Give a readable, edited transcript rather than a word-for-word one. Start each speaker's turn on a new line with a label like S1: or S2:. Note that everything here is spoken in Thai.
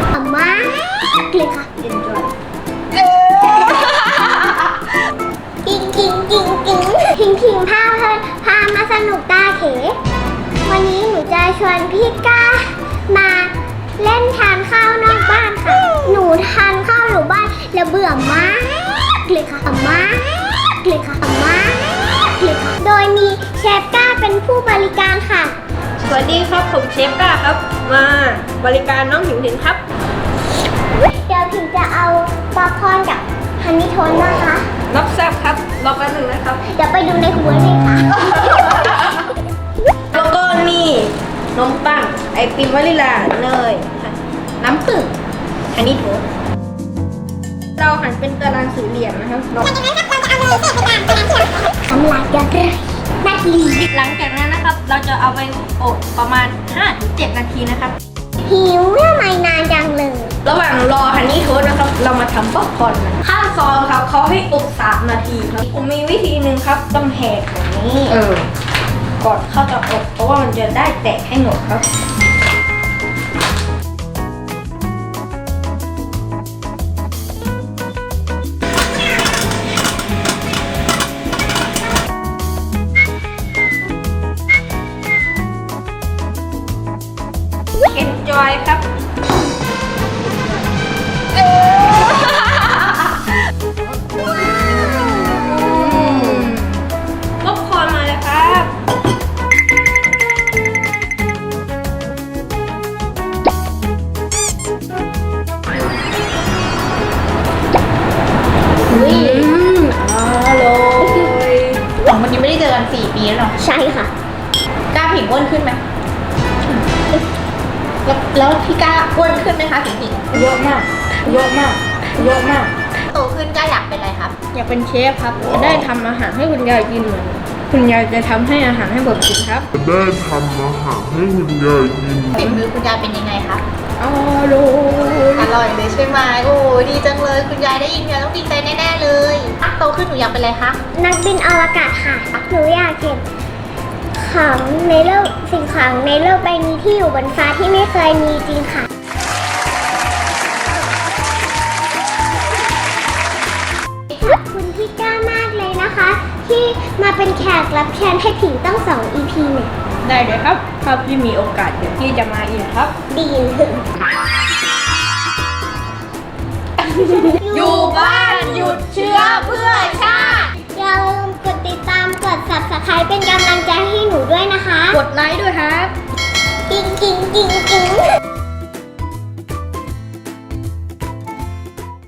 S1: มากเลยค่ะ
S2: enjoy
S1: กิงกิงกิงกิงทิงทิงพาเพลินพามาสนุกตาเขวันนี้หนูจะชวนพี่ก้ามาเล่นทานข้าวนอกบ้านค่ะ หนูทานข้าวอยู่บ้านแล้วเบื่อมากเลยค่ะมากเลยค่ะมากเลยค่ะโดยมีเชฟก้าเป็นผู้บริการค่ะ
S2: สวัสดีครับผมเชฟก้าครับมาบริการน้องหิวถิงครับ
S1: เดี๋ยวถึงจะเอาป๊อปคอร์นกับฮันนี่โทนนะคะ
S2: รับทราบครับรอแป๊บนึงนะครับ
S1: เดี๋ยวไปดูในหัวเลยค่ะ
S2: แล้วก็นี่นมปังไอติมวานิลลาเนยน้ำผึ้งอันนี้โถเราหั่นเป็นตารางสี่เหลี่ยมนะครับ
S1: น้ำลายจะไหลนัดลี
S2: หลังจากนั้นนะครับ เราจะเอาไปอบประมาณ 5-7 นาทีนะครับ
S1: หิวทำไมนานจังเลย
S2: ระหว่างรอฮันนี่โทสต์นะครับ เรามาทำป๊อปคอร์นกันขั้นตอนครับเขาให้อบ3 นาทีครับผมมีวิธีหนึ่งครับต้องแหกแบบนี้ก่อนเข้าจะอบเพราะว่ามันจะได้แตกให้หมดครับenjoy ครับป๊อปคอร์นมาเลยครับอร่อย
S3: ของวันนี้ไม่ได้เจอกัน4 ปีแล้วเนาะ
S1: ใช่ค่ะ
S3: กล้าผิงอ้วนขึ้นไหมแล้วพี่กล้าอ้วนขึ้นไหมคะผิง
S2: เยอะมากเยอะมากเยอะมาก
S3: โตขึ้นกล้าอยากเป็นอะไรครับ
S2: อยากเป็นเชฟครับจะได้ทำอาหารให้คุณยายกินเหมือนคุณยายจะทำให้อาหารให้ผมกินครับ
S4: ได้ทำอาหารให้คุณยายกิน
S3: ฝีมือคุณยายเป็นยังไงครับ
S2: อร่อย
S3: อร่อยเลยใช่ไหมโอ้ดีจังเลยคุณยายได้ยินคุณยายต้องดีใจแน่ๆเลยโตขึ้นหนูอยากเป็นอะไรคะ
S1: นักบินอวกาศค่ะ หนูอยากเห็นของในโลกสิ่งของในโลกใบนี้ที่อยู่บนฟ้าที่ไม่เคยมีจริงค่ะ ขอบคุณพี่ก้ามากเลยนะคะ ที่มาเป็นแขกรับเชิญให้ผิงต้อง2 EP เนี่ย
S2: ได้เลยครับถ้าพี่มีโอกาสเดี๋ยวพี่จะมาอีกครับ
S1: ดีถึง
S3: อยู่บ้านหยุดเชื้อเพื่อชาติ
S1: อย่าลืมกดติดตามกด Subscribe เป็นกำลังใจให้หนูด้วยนะคะ
S2: กดไลค์ด้วยครับ
S1: กิ๊งกิ๊งกิ๊งกิ๊ง